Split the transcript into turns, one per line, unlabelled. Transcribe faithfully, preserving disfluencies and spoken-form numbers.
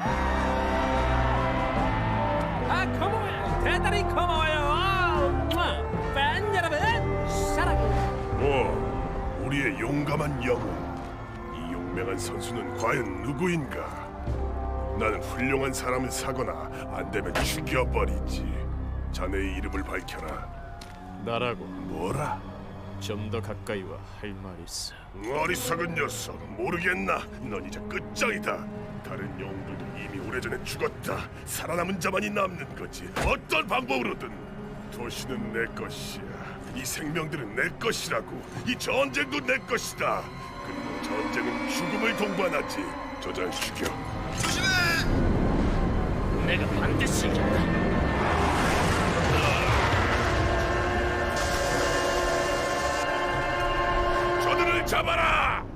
아, 고마워요. 대단히 고마워요. 아, 팬 여러분, 사랑.
뭐, 우리의 용감한 영웅. 이 용맹한 선수는 과연 누구인가? 나는 훌륭한 사람을 사거나 안 되면 죽여버리지. 자네의 이름을 밝혀라.
나라고.
뭐라?
좀 더 가까이 와 할 말 있어.
어리석은 녀석, 모르겠나? 넌 이제 끝장이다. 다른 영웅들도 이미 오래전에 죽었다. 살아남은 자만이 남는 거지. 어떤 방법으로든. 도시는 내 것이야. 이 생명들은 내 것이라고. 이 전쟁도 내 것이다. 그리고 전쟁은 죽음을 동반하지. 저 잘 죽여.
내가 반드시 이긴다.
저들을 잡아라!